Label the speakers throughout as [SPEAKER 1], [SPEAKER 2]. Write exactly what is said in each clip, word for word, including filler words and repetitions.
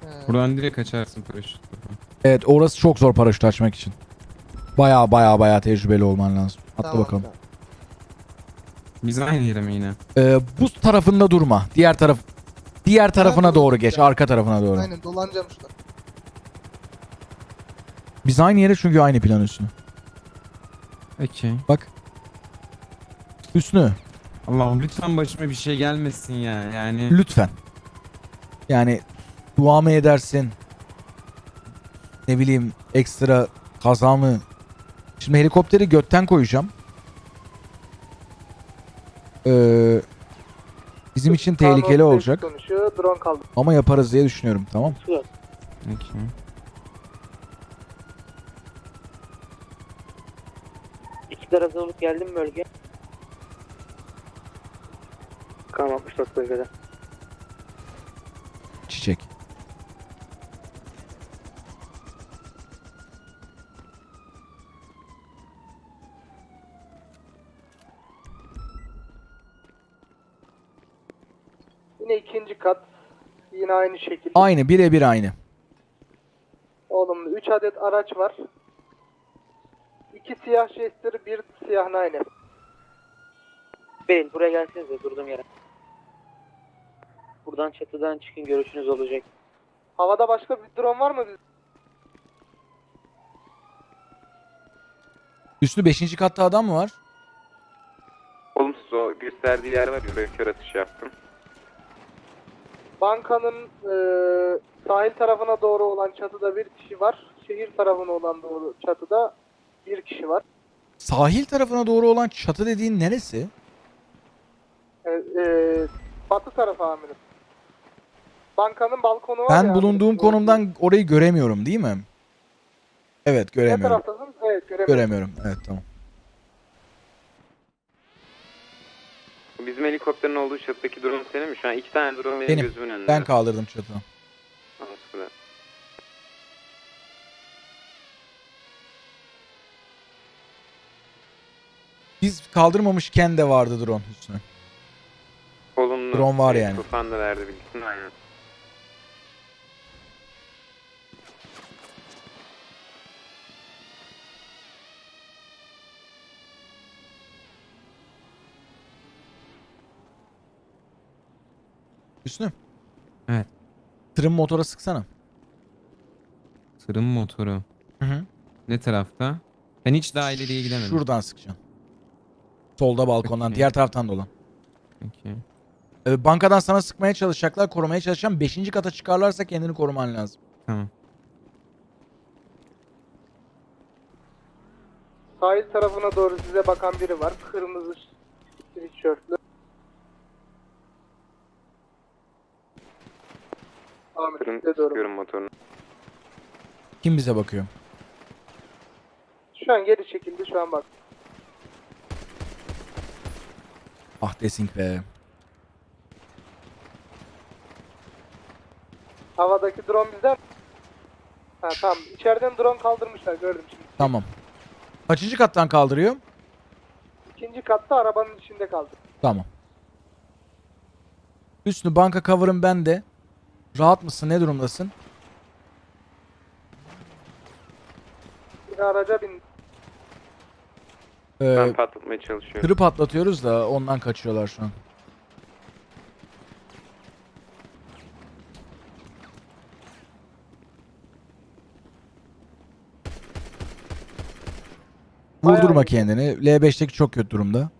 [SPEAKER 1] Buradan direkt kaçarsın paraşütle.
[SPEAKER 2] Evet, orası çok zor paraşüt açmak için. Baya baya baya tecrübeli olman lazım. Atla
[SPEAKER 3] Tamam,
[SPEAKER 2] bakalım.
[SPEAKER 3] tamam.
[SPEAKER 1] Biz aynı yere mi yine?
[SPEAKER 2] Ee, buz tarafında durma. Diğer taraf diğer tarafına
[SPEAKER 3] Ha,
[SPEAKER 2] doğru
[SPEAKER 3] doğru.
[SPEAKER 2] geç. Arka tarafına doğru.
[SPEAKER 3] Aynen dolanacağım şuradan.
[SPEAKER 2] Biz aynı yere çünkü aynı plan üstüne.
[SPEAKER 1] Okey.
[SPEAKER 2] Bak. Hüsnü.
[SPEAKER 1] Allah'ım lütfen başıma bir şey gelmesin ya. Yani
[SPEAKER 2] Lütfen. Yani dua mı edersin? Ne bileyim ekstra kaza mı? Şimdi helikopteri götten koyacağım. Ee, bizim için tehlikeli olacak.
[SPEAKER 3] Konuşuyor, drone kaldı.
[SPEAKER 2] Ama yaparız diye düşünüyorum, tamam.
[SPEAKER 1] okey.
[SPEAKER 4] İkidar hazır olup geldim bölge. Kam altmış dört bölgede.
[SPEAKER 2] Çiçek.
[SPEAKER 3] Yine ikinci kat. Yine aynı şekilde.
[SPEAKER 2] Aynı, birebir aynı.
[SPEAKER 3] Oğlum üç adet araç var. İki siyah Jester, bir siyah Nine.
[SPEAKER 4] Beril buraya gelsenize durduğum yere. Buradan çatıdan çıkın, görüşünüz olacak.
[SPEAKER 3] Havada başka bir drone var mı?
[SPEAKER 2] Üstü beşinci katta adam mı var?
[SPEAKER 5] Olumsuz o gösterdiği yer var ya, oraya kör atış yaptım.
[SPEAKER 3] Bankanın eee, sahil tarafına doğru olan çatıda bir kişi var. Şehir tarafına olan doğru çatıda bir kişi var.
[SPEAKER 2] Sahil tarafına doğru olan çatı dediğin neresi?
[SPEAKER 3] E, eee, batı tarafı amirim. Bankanın balkonu var
[SPEAKER 2] Ben
[SPEAKER 3] ya
[SPEAKER 2] bulunduğum
[SPEAKER 3] amirim.
[SPEAKER 2] konumdan orayı göremiyorum, değil mi? Evet,
[SPEAKER 3] Ne
[SPEAKER 2] göremiyorum.
[SPEAKER 3] taraftasın? Evet, göremiyorum.
[SPEAKER 2] Göremiyorum. Evet, tamam.
[SPEAKER 5] Bizim helikopterin olduğu çatıdaki drone senin mi? Şu an iki tane drone benim,
[SPEAKER 2] Benim.
[SPEAKER 5] gözümün önünde.
[SPEAKER 2] Ben kaldırdım çatıdan.
[SPEAKER 5] Tamam, süper.
[SPEAKER 2] Biz kaldırmamışken de vardı drone üstüne.
[SPEAKER 5] Olumlu.
[SPEAKER 2] Drone var
[SPEAKER 5] Evet,
[SPEAKER 2] yani.
[SPEAKER 5] Tufan da verdi bilgisini, aynen.
[SPEAKER 2] Üstüne.
[SPEAKER 1] Evet.
[SPEAKER 2] Tırın motora sıksana.
[SPEAKER 1] Tırın motoru.
[SPEAKER 2] Hı hı.
[SPEAKER 1] Ne tarafta? Ben hiç daha ileriye gidemedim.
[SPEAKER 2] Şuradan sıkacaksın. Solda balkondan.
[SPEAKER 1] Okey.
[SPEAKER 2] Diğer taraftan dolan.
[SPEAKER 1] Okey.
[SPEAKER 2] Ee, bankadan sana sıkmaya çalışacaklar. Korumaya çalışacağım. Beşinci kata çıkarlarsa kendini koruman lazım.
[SPEAKER 1] Tamam.
[SPEAKER 3] Sahil tarafına doğru size bakan biri var. Kırmızı tişörtlü. Amirim
[SPEAKER 5] Tırın
[SPEAKER 3] size doğru.
[SPEAKER 5] sıkıyorum motorunu.
[SPEAKER 2] Kim bize bakıyor?
[SPEAKER 3] Şu an geri çekildi, şu an bak.
[SPEAKER 2] Ah desink be.
[SPEAKER 3] Havadaki drone bizden. Ha tamam. İçeriden drone kaldırmışlar, gördüm şimdi.
[SPEAKER 2] Tamam. Kaçıncı kattan kaldırıyor?
[SPEAKER 3] İkinci katta arabanın içinde kaldı.
[SPEAKER 2] Tamam. Üstünü banka cover'ım bende. Rahat mısın? Ne durumdasın?
[SPEAKER 3] Bir araca bin.
[SPEAKER 2] Ee,
[SPEAKER 5] Ben patlatmaya çalışıyorum.
[SPEAKER 2] tırı patlatıyoruz da ondan kaçıyorlar şu an. Vurdurma
[SPEAKER 3] Bayağı iyi.
[SPEAKER 2] kendini. L beşteki çok kötü durumda.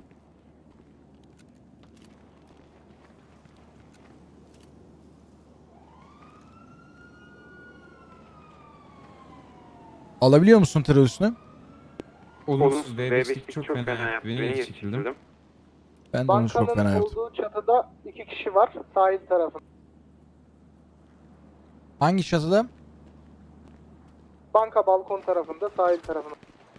[SPEAKER 2] Alabiliyor musun tırı üstüne?
[SPEAKER 1] Olumsuz.
[SPEAKER 5] V
[SPEAKER 1] V beşlik çok fena yaptı. Beni geri çekildim.
[SPEAKER 2] Ben de onu çok
[SPEAKER 3] Bankanın
[SPEAKER 2] fena yaptım.
[SPEAKER 3] olduğu çatıda iki kişi var. Sahil tarafında.
[SPEAKER 2] Hangi çatıda?
[SPEAKER 3] Banka balkon tarafında, sahil tarafında.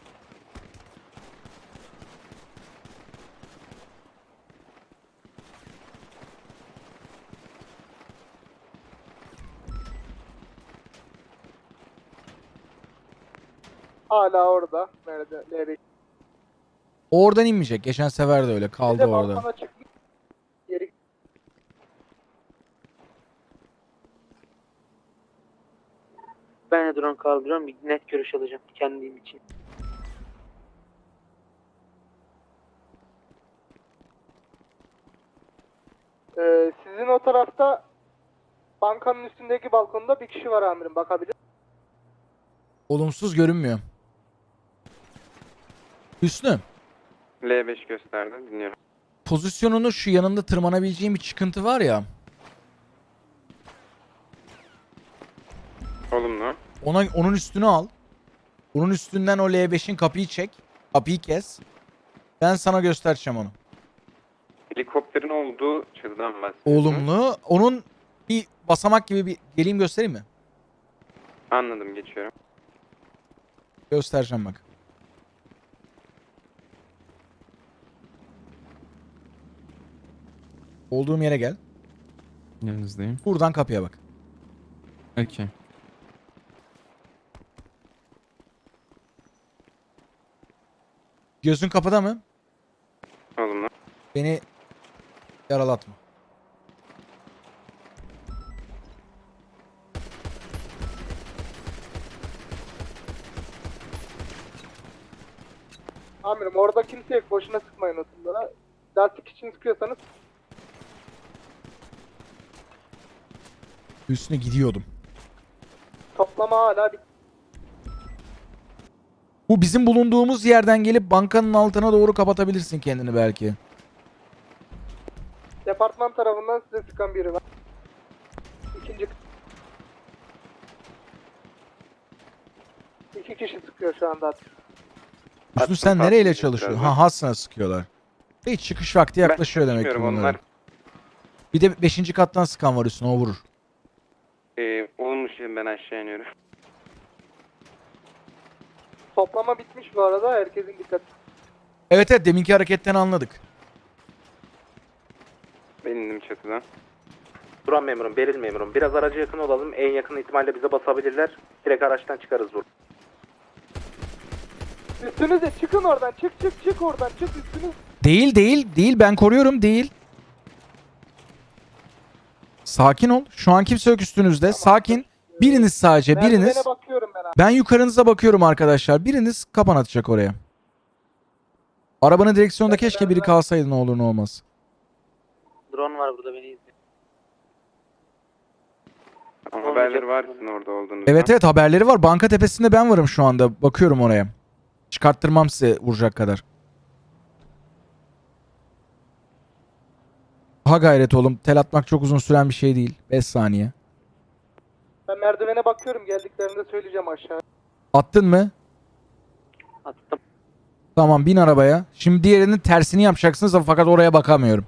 [SPEAKER 3] Hala orada. Nerede? Nerede?
[SPEAKER 2] Oradan inmeyecek. Geçen sefer de öyle.
[SPEAKER 3] Bir
[SPEAKER 2] Kaldı
[SPEAKER 3] de
[SPEAKER 2] orada.
[SPEAKER 3] balkona çıkmış. Geri
[SPEAKER 4] Ben de drone kaldırıyorum. Bir net görüş alacağım kendim için.
[SPEAKER 3] Ee, sizin o tarafta bankanın üstündeki balkonda bir kişi var amirim, bakabilir.
[SPEAKER 2] Olumsuz görünmüyor. Hüsnü,
[SPEAKER 5] L beş gösterdi. Dinliyorum.
[SPEAKER 2] pozisyonunu şu yanında tırmanabileceğin bir çıkıntı var ya.
[SPEAKER 5] Olumlu.
[SPEAKER 2] Ona onun üstünü al. Onun üstünden o L beşin kapıyı çek. Kapıyı kes. Ben sana göstereceğim onu.
[SPEAKER 5] Helikopterin olduğu çatıdan bahsediyorsun.
[SPEAKER 2] Olumlu. Onun bir basamak gibi bir geleyim göstereyim mi?
[SPEAKER 5] Anladım, geçiyorum.
[SPEAKER 2] Göstereceğim bak. Olduğum yere gel.
[SPEAKER 1] Yanınızdayım.
[SPEAKER 2] Buradan kapıya bak.
[SPEAKER 1] Okey.
[SPEAKER 2] Gözün kapıda mı?
[SPEAKER 5] Olumlu.
[SPEAKER 2] Beni yaralatma.
[SPEAKER 3] Amirim orada kimse yok, boşuna sıkmayın oturlara. Lastik için sıkıyorsanız
[SPEAKER 2] Hüsnü gidiyordum.
[SPEAKER 3] toplama hala bir
[SPEAKER 2] Bu bizim bulunduğumuz yerden gelip bankanın altına doğru kapatabilirsin kendini belki.
[SPEAKER 3] departman tarafından size sıkan biri var. İkinci iki kişi sıkıyor şu anda.
[SPEAKER 2] Hüsnü
[SPEAKER 5] Attım,
[SPEAKER 2] sen
[SPEAKER 5] attım,
[SPEAKER 2] nereyle
[SPEAKER 5] biraz
[SPEAKER 2] çalışıyorsun?
[SPEAKER 5] daha.
[SPEAKER 2] Ha Hasan'a sıkıyorlar. Hiç çıkış vakti yaklaşıyor
[SPEAKER 5] Ben
[SPEAKER 2] demek ki
[SPEAKER 5] çalışmıyorum,
[SPEAKER 2] bunların.
[SPEAKER 5] onlar
[SPEAKER 2] Bir de beşinci kattan sıkan var Hüsnü, o vurur.
[SPEAKER 5] e, olumlu şey, ben aşağı iniyorum.
[SPEAKER 3] Toplama bitmiş bu arada, herkesin dikkati.
[SPEAKER 2] Evet evet, deminki hareketten anladık.
[SPEAKER 5] Ben indim çatıdan.
[SPEAKER 6] Duran memurum, Beril memurum. Biraz araca yakın olalım. En yakın ihtimalle bize basabilirler. Direkt araçtan çıkarız burada.
[SPEAKER 3] Üstünüze çıkın oradan, çık çık çık oradan, çık üstünüz.
[SPEAKER 2] Değil değil değil, ben koruyorum, değil. Sakin ol. Şu an kimse yok üstünüzde. Sakin. Biriniz sadece, biriniz.
[SPEAKER 3] Merdivene bakıyorum ben abi.
[SPEAKER 2] Ben yukarınıza bakıyorum arkadaşlar. Biriniz kapan atacak oraya. Arabanın direksiyonunda keşke biri kalsaydı, ne olur ne olmaz.
[SPEAKER 4] Drone var burada, beni izliyor.
[SPEAKER 5] Ama haberleri varsın orada olduğunuzda.
[SPEAKER 2] Evet evet, haberleri var. Banka tepesinde ben varım şu anda. Bakıyorum oraya. Çıkarttırmam size vuracak kadar. Ha gayret oğlum. Tel atmak çok uzun süren bir şey değil. beş saniye.
[SPEAKER 3] Ben merdivene bakıyorum, geldiklerinde söyleyeceğim aşağı.
[SPEAKER 2] Attın mı?
[SPEAKER 4] Attım.
[SPEAKER 2] Tamam, bin arabaya. Şimdi diğerinin tersini yapacaksınız fakat oraya bakamıyorum.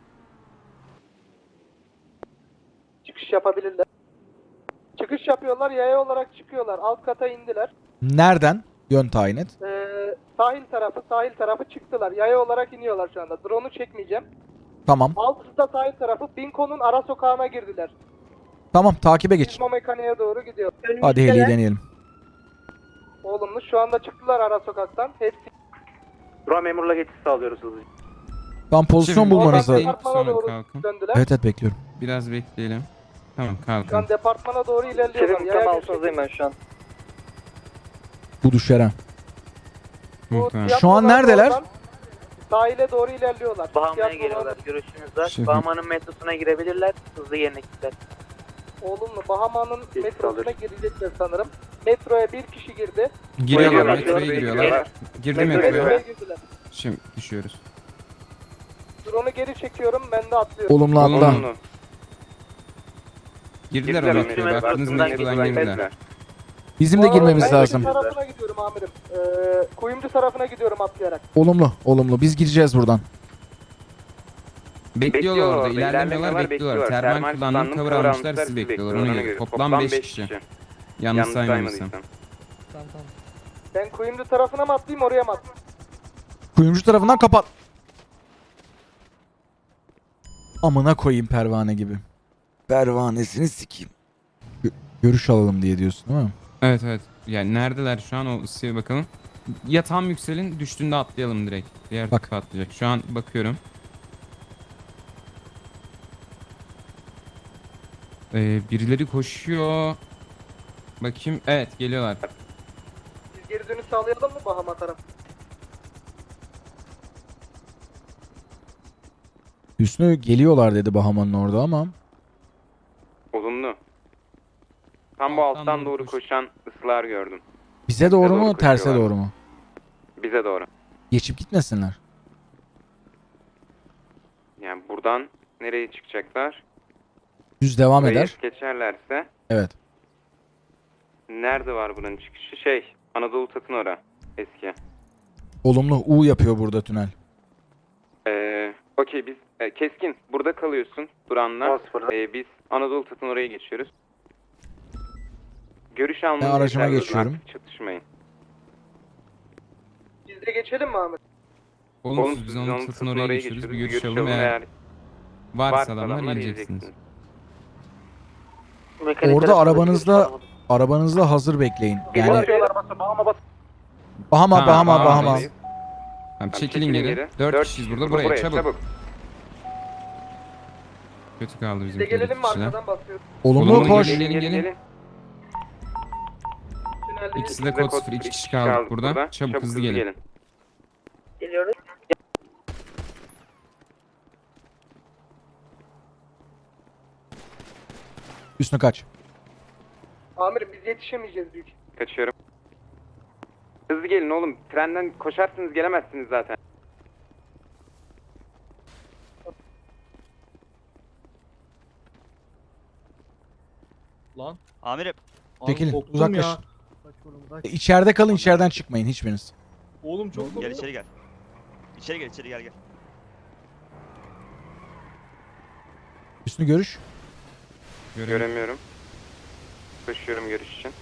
[SPEAKER 3] Çıkış yapabilirler. Çıkış yapıyorlar, yaya olarak çıkıyorlar. Alt kata indiler.
[SPEAKER 2] Nereden? Yön tayin et.
[SPEAKER 3] Ee, sahil tarafı, sahil tarafı çıktılar. Yaya olarak iniyorlar şu anda. Drone'u çekmeyeceğim.
[SPEAKER 2] Tamam.
[SPEAKER 3] Altıda sahil tarafı, Binko'nun ara sokağına girdiler.
[SPEAKER 2] Tamam, takibe geç.
[SPEAKER 3] İzmo mekaniğe doğru gidiyor.
[SPEAKER 2] Hadi heliyi deneyelim.
[SPEAKER 3] Oğlumlu şu anda çıktılar ara sokaktan. Hepsi
[SPEAKER 6] Duran memurla geçiş sağlıyoruz hızlıca.
[SPEAKER 2] Tam pozisyon
[SPEAKER 1] Şimdi
[SPEAKER 2] bulmanız
[SPEAKER 3] oradan
[SPEAKER 2] lazım.
[SPEAKER 3] departmana
[SPEAKER 1] Sonra
[SPEAKER 3] doğru
[SPEAKER 1] kalkın.
[SPEAKER 3] döndüler.
[SPEAKER 2] Evet evet, bekliyorum.
[SPEAKER 1] Biraz bekleyelim. Tamam,
[SPEAKER 3] Şu an
[SPEAKER 1] kalkın.
[SPEAKER 3] departmana doğru ilerliyorlar.
[SPEAKER 4] Şefim
[SPEAKER 3] Yaya
[SPEAKER 4] tam
[SPEAKER 3] geçiyor.
[SPEAKER 4] altınızdayım ben şu an.
[SPEAKER 2] Bu düşeren.
[SPEAKER 3] Bu
[SPEAKER 1] Muhtemelen.
[SPEAKER 2] Şu an
[SPEAKER 3] tiyatrodan
[SPEAKER 2] neredeler?
[SPEAKER 3] oradan Sahile doğru ilerliyorlar.
[SPEAKER 4] Bahama'ya
[SPEAKER 3] Tiyatrodan-
[SPEAKER 4] geliyorlar, görüşünüz var.
[SPEAKER 1] Şefim.
[SPEAKER 4] Bahama'nın metrosuna girebilirler, hızlı yerine gittiler.
[SPEAKER 3] Oğlumlu Bahama'nın
[SPEAKER 6] Geçiş
[SPEAKER 3] metrosuna
[SPEAKER 6] alıyoruz.
[SPEAKER 3] girecekler sanırım. Metroya bir kişi girdi.
[SPEAKER 1] Giriyorlar,
[SPEAKER 5] Giriyorlar,
[SPEAKER 1] metroya
[SPEAKER 5] metroya
[SPEAKER 1] giriyorlar.
[SPEAKER 5] giriyorlar.
[SPEAKER 1] Girdi
[SPEAKER 3] Metroya
[SPEAKER 1] metroya.
[SPEAKER 3] girdiler.
[SPEAKER 1] Şimdi düşüyoruz.
[SPEAKER 3] Drone'u geri çekiyorum, ben de atlıyorum.
[SPEAKER 2] Olumlu atla.
[SPEAKER 5] Olumlu.
[SPEAKER 1] Girdiler
[SPEAKER 5] Girdiler
[SPEAKER 1] o
[SPEAKER 5] o
[SPEAKER 1] metroya.
[SPEAKER 5] metroya.
[SPEAKER 1] Baktınız
[SPEAKER 4] Aklımdan
[SPEAKER 1] metrodan
[SPEAKER 4] geçtiler.
[SPEAKER 1] girdiler.
[SPEAKER 2] Bizim
[SPEAKER 3] Bu
[SPEAKER 2] de
[SPEAKER 3] arada
[SPEAKER 2] girmemiz
[SPEAKER 3] ben
[SPEAKER 2] lazım.
[SPEAKER 3] Kuyumcu tarafına gidiyorum amirim. Ee, Kuyumcu tarafına gidiyorum atlayarak.
[SPEAKER 2] Olumlu, olumlu. Biz gireceğiz buradan.
[SPEAKER 1] Bekliyorlar orada.
[SPEAKER 5] orada,
[SPEAKER 1] İlerlemiyorlar, bekliyorlar. Termal kullandım, cover almışlar, sizi bekliyorlar. Ona göre. Toplam beş kişi. Yanlış saymadıysam.
[SPEAKER 3] Ben Kuyumcu tarafına mı atlayayım, oraya mı atlayayım?
[SPEAKER 2] Kuyumcu tarafından kapat. Amına koyayım pervane gibi. Pervanesini sikeyim. Gö- görüş alalım diye diyorsun değil mi?
[SPEAKER 1] Evet evet. Yani neredeler şu an, o ısıya bakalım. Ya tam yükselin, düştüğünde atlayalım direkt. Diğer
[SPEAKER 2] Bak.
[SPEAKER 1] tarafa atlayacak. Şu an bakıyorum. Ee, birileri koşuyor. Bakayım. Evet geliyorlar.
[SPEAKER 3] Biz geri dönüş sağlayalım mı Bahama tarafı?
[SPEAKER 2] Hüsnü geliyorlar dedi Bahama'nın orada ama.
[SPEAKER 5] Olumlu. Tam bu alttan,
[SPEAKER 1] Alttan
[SPEAKER 5] doğru
[SPEAKER 1] doğru koş.
[SPEAKER 5] koşan ıslar gördüm.
[SPEAKER 2] Bize doğru
[SPEAKER 5] doğru
[SPEAKER 2] mu terse
[SPEAKER 5] koşuyorlar.
[SPEAKER 2] doğru mu?
[SPEAKER 5] Bize doğru.
[SPEAKER 2] Geçip gitmesinler.
[SPEAKER 5] Yani buradan nereye çıkacaklar?
[SPEAKER 2] Düz devam
[SPEAKER 5] Burayı
[SPEAKER 2] eder.
[SPEAKER 5] geçerlerse
[SPEAKER 2] Evet.
[SPEAKER 5] nerede var buranın çıkışı? Şey, Anadolu Tatın ora. Eski.
[SPEAKER 2] Olumlu U yapıyor burada tünel.
[SPEAKER 5] Ee, Okey biz e, Keskin burada kalıyorsun Duran'la.
[SPEAKER 6] on sıfırda.
[SPEAKER 5] Ee, biz Anadolu Tatın oraya geçiyoruz. Görüş
[SPEAKER 2] Ben
[SPEAKER 5] almanızı
[SPEAKER 2] aracıma
[SPEAKER 5] yeterli.
[SPEAKER 2] geçiyorum.
[SPEAKER 5] Artık çatışmayın.
[SPEAKER 3] Biz de geçelim mi Ahmet?
[SPEAKER 1] Olumsuz biz onun satın oraya geçiyoruz. Bir görüşelim. Eğer varsa adamlar geleceksiniz.
[SPEAKER 4] Mekanik
[SPEAKER 2] Orada
[SPEAKER 4] tarafında
[SPEAKER 2] arabanızla-
[SPEAKER 4] görüş alamadım.
[SPEAKER 2] Arabanızda hazır bekleyin. Yani
[SPEAKER 6] Basıyorlar basıyor. Bahama bas.
[SPEAKER 2] Bahama
[SPEAKER 1] Ha,
[SPEAKER 2] Bahama Bahama.
[SPEAKER 1] Bahama'dayız. Tamam, çekilin geri. Dört kişiyiz burada. Buraya çabuk. Kötü kaldı
[SPEAKER 3] Biz
[SPEAKER 1] bizim
[SPEAKER 3] de gelelim mi
[SPEAKER 1] kişiler.
[SPEAKER 3] arkadan basıyoruz?
[SPEAKER 2] Olumlu
[SPEAKER 1] Olumlu
[SPEAKER 2] koş.
[SPEAKER 1] gelin, gelin, gelin.
[SPEAKER 3] Tünelde
[SPEAKER 1] İkisi de kod sıfır. İki kişi kaldık burada. Çabuk hızlı gelin.
[SPEAKER 4] Geliyoruz.
[SPEAKER 2] Hüsnü kaç.
[SPEAKER 3] Amirim biz yetişemeyeceğiz büyük.
[SPEAKER 5] Kaçıyorum. Hızlı gelin oğlum. Trenden koşarsınız gelemezsiniz zaten.
[SPEAKER 7] Lan. Amirim.
[SPEAKER 2] Çekilin,
[SPEAKER 7] korktum
[SPEAKER 2] uzaklaş.
[SPEAKER 7] ya.
[SPEAKER 2] İçeride kalın, içeriden çıkmayın hiçbiriniz.
[SPEAKER 7] Oğlum çok
[SPEAKER 8] Gel
[SPEAKER 7] korktum.
[SPEAKER 8] içeri gel. İçeri gel, içeri gel gel.
[SPEAKER 2] Hüsnü görüş.
[SPEAKER 1] Görelim.
[SPEAKER 5] Göremiyorum. Koşuyorum görüş için.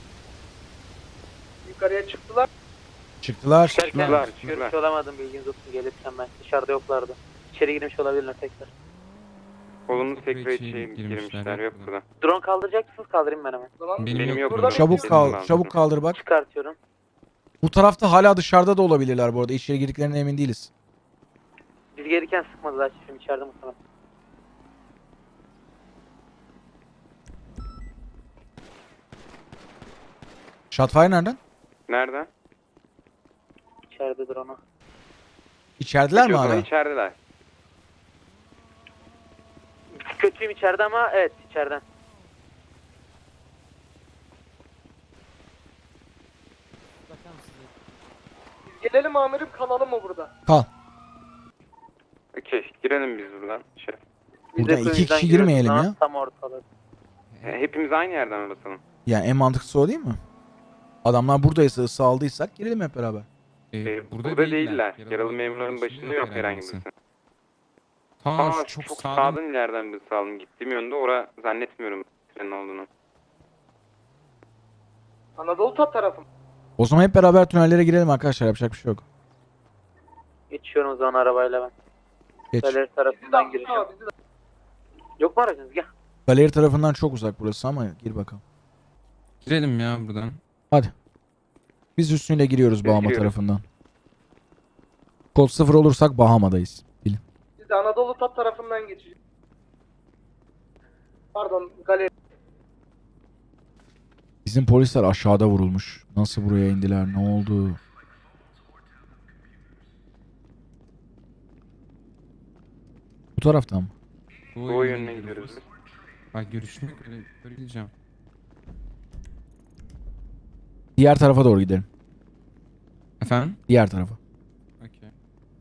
[SPEAKER 3] Yukarıya çıktılar.
[SPEAKER 2] Çıktılar.
[SPEAKER 4] Çıkarken
[SPEAKER 5] Çıktılar,
[SPEAKER 4] görüş
[SPEAKER 5] çıktılar.
[SPEAKER 4] olamadım bilginiz olsun gelirken ben. Dışarıda yoklardı. İçeri girmiş olabilirler tekrar.
[SPEAKER 5] Olumlu
[SPEAKER 1] Sıfır
[SPEAKER 5] tekrar
[SPEAKER 1] içeri
[SPEAKER 5] içeri
[SPEAKER 1] girmişler,
[SPEAKER 5] girmişler. Yok
[SPEAKER 1] yok
[SPEAKER 5] burada.
[SPEAKER 4] Drone kaldıracak mısınız? Kaldırayım ben hemen.
[SPEAKER 3] O zaman
[SPEAKER 1] Benim,
[SPEAKER 5] Benim
[SPEAKER 1] yok.
[SPEAKER 5] yok
[SPEAKER 1] burada.
[SPEAKER 5] burada.
[SPEAKER 2] Çabuk
[SPEAKER 5] Kesin
[SPEAKER 2] kal,
[SPEAKER 5] lazım.
[SPEAKER 2] çabuk kaldır bak.
[SPEAKER 4] Çıkartıyorum.
[SPEAKER 2] Bu tarafta hala dışarıda da olabilirler bu arada. İçeri girdiklerine emin değiliz.
[SPEAKER 4] Biz gelirken sıkmadılar şimdi içeride muhtemelen.
[SPEAKER 2] Shotfire nereden?
[SPEAKER 5] Nerede?
[SPEAKER 4] İçeride drone'u.
[SPEAKER 2] İçerideler mi
[SPEAKER 5] Peki, o zaman
[SPEAKER 2] hala?
[SPEAKER 5] İçerideler.
[SPEAKER 4] Kötüyüm içeride ama evet içeriden.
[SPEAKER 3] biz gelelim amirim kalalım mı burada?
[SPEAKER 2] Kal.
[SPEAKER 5] Okey girelim biz buradan. Şey.
[SPEAKER 4] Biz
[SPEAKER 2] Buradan
[SPEAKER 4] de
[SPEAKER 2] iki
[SPEAKER 4] köyümüzden
[SPEAKER 2] kişi
[SPEAKER 4] giriyoruz
[SPEAKER 2] girmeyelim
[SPEAKER 4] lan,
[SPEAKER 2] ya.
[SPEAKER 4] Tam ortalık.
[SPEAKER 5] E, Hepimiz aynı yerden mi basalım?
[SPEAKER 2] Yani en mantıklısı o değil mi? Adamlar buradaysa ısı aldıysak girelim hep beraber.
[SPEAKER 1] Ee,
[SPEAKER 5] Ee,
[SPEAKER 1] burada,
[SPEAKER 5] burada, değiller. Yaralı memurların başında yok herhangi birisi.
[SPEAKER 1] Tamam
[SPEAKER 5] Aa,
[SPEAKER 1] çok,
[SPEAKER 5] çok
[SPEAKER 1] sağdan.
[SPEAKER 5] sağdan ileriden bir sağlam gittiğim yönde ora zannetmiyorum trenin olduğunu.
[SPEAKER 3] Anadolu Tat tarafı mı?
[SPEAKER 2] O zaman hep beraber tünellere girelim arkadaşlar. Yapacak bir şey yok.
[SPEAKER 4] Geçiyorum o zaman arabayla ben.
[SPEAKER 2] Geç.
[SPEAKER 4] Galeri
[SPEAKER 3] Bizi de
[SPEAKER 4] tarafından
[SPEAKER 3] alsın
[SPEAKER 4] gireceğim.
[SPEAKER 3] abi, bizi de.
[SPEAKER 4] Yok mu aracınız? Gel.
[SPEAKER 2] Galeri tarafından çok uzak burası ama gir bakalım.
[SPEAKER 1] Girelim ya buradan.
[SPEAKER 2] Hadi. Biz üstüyle giriyoruz
[SPEAKER 5] Biz
[SPEAKER 2] Bahama
[SPEAKER 5] giriyoruz.
[SPEAKER 2] tarafından. Kod sıfır olursak Bahama'dayız. Bilin.
[SPEAKER 3] Biz de Anadolu Tat tarafından geçeceğiz. Pardon galeri.
[SPEAKER 2] Bizim polisler aşağıda vurulmuş. Nasıl buraya indiler? Ne oldu? Bu taraftan mı?
[SPEAKER 5] Doğu yönüne gidiyoruz biz.
[SPEAKER 1] Bak görüşmek öyle göreceğim.
[SPEAKER 2] Diğer tarafa doğru gidelim.
[SPEAKER 1] Efendim?
[SPEAKER 2] Diğer tarafa.
[SPEAKER 1] Okey.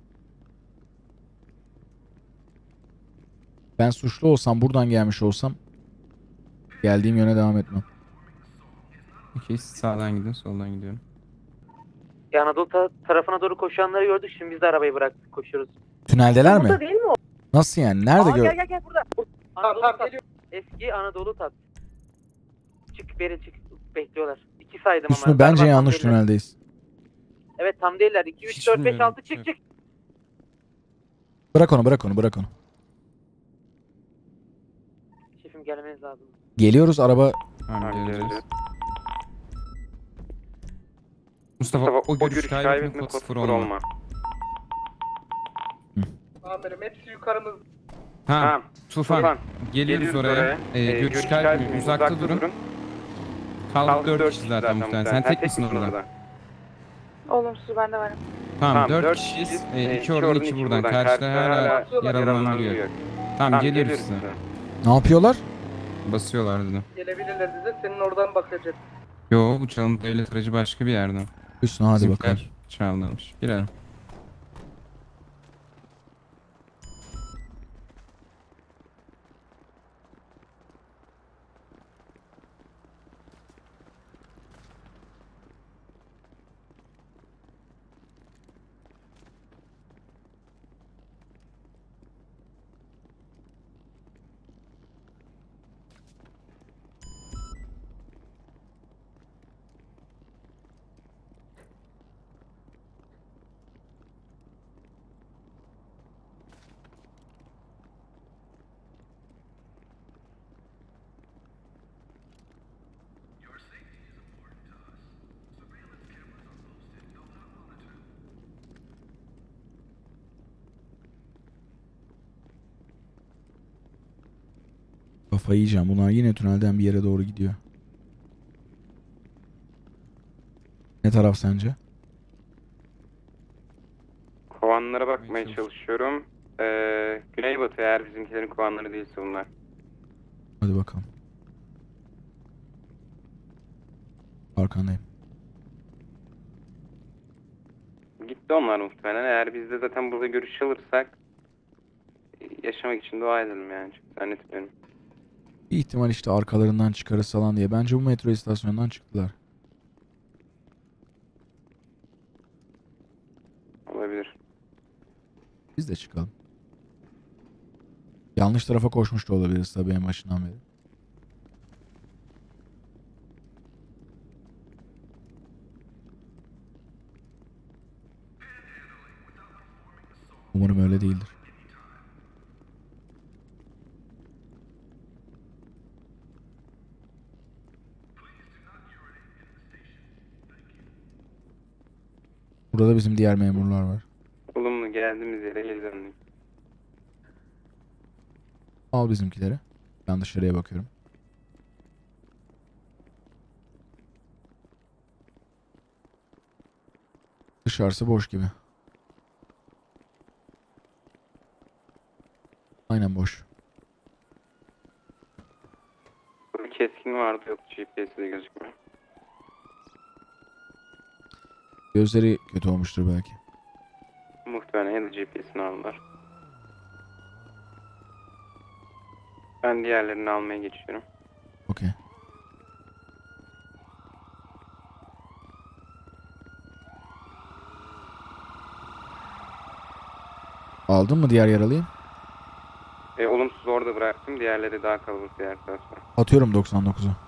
[SPEAKER 2] Ben suçlu olsam, buradan gelmiş olsam geldiğim yöne devam etmem.
[SPEAKER 1] Okey siz sağdan gidin soldan gidiyorum.
[SPEAKER 4] Ya Anadolu ta- tarafına doğru koşanları gördük. Şimdi biz de arabayı bıraktık koşuyoruz.
[SPEAKER 2] Tüneldeler
[SPEAKER 4] Burada
[SPEAKER 2] mi?
[SPEAKER 4] değil mi o?
[SPEAKER 2] Nasıl yani? Nerede
[SPEAKER 4] Aa,
[SPEAKER 2] gör?
[SPEAKER 4] gel gel gel burada.
[SPEAKER 3] Tamam
[SPEAKER 4] Anadolu
[SPEAKER 3] tamam
[SPEAKER 4] Tat.
[SPEAKER 3] geliyor.
[SPEAKER 4] Eski Anadolu Tat. Çık beri çık. Bekliyorlar. İki saydım ama.
[SPEAKER 2] Hüsnü bence
[SPEAKER 4] Galiba tam
[SPEAKER 2] yanlış
[SPEAKER 4] değiller.
[SPEAKER 2] tüneldeyiz.
[SPEAKER 4] Evet tam değiller. iki, üç,
[SPEAKER 1] Hiç
[SPEAKER 4] dört, beş,
[SPEAKER 1] bilmiyorum.
[SPEAKER 4] altı çık çık.
[SPEAKER 2] Bırak onu, bırak onu, bırak onu.
[SPEAKER 4] Şefim gelmeniz lazım.
[SPEAKER 2] Geliyoruz araba.
[SPEAKER 1] Tamam
[SPEAKER 5] Tamam,
[SPEAKER 1] geleceğiz.
[SPEAKER 5] geleceğiz.
[SPEAKER 1] Mustafa,
[SPEAKER 5] Mustafa,
[SPEAKER 1] o görüş kaybetme kod sıfır olma.
[SPEAKER 3] Amirim hepsi yukarımız.
[SPEAKER 1] Ha,
[SPEAKER 5] Tamam.
[SPEAKER 1] Tufan.
[SPEAKER 5] Tufan.
[SPEAKER 1] Geliyoruz,
[SPEAKER 5] Geliyoruz
[SPEAKER 1] oraya.
[SPEAKER 5] oraya.
[SPEAKER 1] Ee,
[SPEAKER 5] Ee,
[SPEAKER 1] görüş
[SPEAKER 5] görüş
[SPEAKER 1] kaybetmeyin.
[SPEAKER 5] kaybetmeyin,
[SPEAKER 1] Uzakta,
[SPEAKER 5] uzakta
[SPEAKER 1] durun.
[SPEAKER 5] durun.
[SPEAKER 1] Kaldık dört kişi zaten muhtemelen. Sen tek misin orada?
[SPEAKER 9] Olumsuz ben de varım.
[SPEAKER 1] Tamam dört kişiyiz. E, iki oradan iki buradan. Karşıda hala yaralanan duruyor. Tamam geliyoruz size.
[SPEAKER 2] Ne yapıyorlar?
[SPEAKER 1] Basıyorlar dedim.
[SPEAKER 3] Gelebilirler dedi. Senin oradan bakacak.
[SPEAKER 1] Yo bu çalıntı devlet aracı başka bir yerden.
[SPEAKER 2] Üstüne hadi
[SPEAKER 1] Bizimkiler
[SPEAKER 2] bakalım.
[SPEAKER 1] Çaldırmış. Girelim.
[SPEAKER 2] Kafayı yiyeceğim. Bunlar yine tünelden bir yere doğru gidiyor. Ne taraf sence?
[SPEAKER 5] Kovanlara bakmaya çalışıyorum. Ee, Güneybatı eğer bizimkilerin kovanları değilse bunlar.
[SPEAKER 2] Hadi bakalım. Arkandayım.
[SPEAKER 5] Gitti onlar muhtemelen. Eğer biz de zaten burada görüş alırsak yaşamak için dua edelim yani. Çok zannetmiyorum.
[SPEAKER 2] Bir ihtimal işte arkalarından çıkarız falan diye. Bence bu metro istasyonundan çıktılar.
[SPEAKER 5] Olabilir.
[SPEAKER 2] Biz de çıkalım. Yanlış tarafa koşmuş da olabiliriz tabii en başından beri. Umarım öyle değildir. Burada bizim diğer memurlar var.
[SPEAKER 5] Olumlu geldiğimiz yere geri döndük.
[SPEAKER 2] Al bizimkileri. Ben dışarıya bakıyorum. Dışarısı boş gibi. Aynen boş.
[SPEAKER 5] Burada keskin vardı yok G P S'de gözükmüyor.
[SPEAKER 2] Gözleri kötü olmuştur belki.
[SPEAKER 5] Muhtemelen ya da G P S'ini aldılar. Ben diğerlerini almaya geçiyorum.
[SPEAKER 2] Okey. Aldın mı diğer yaralıyı?
[SPEAKER 5] E, olumsuz orada bıraktım. Diğerleri daha kalabalık diğer tarafta.
[SPEAKER 2] Atıyorum doksan dokuzu.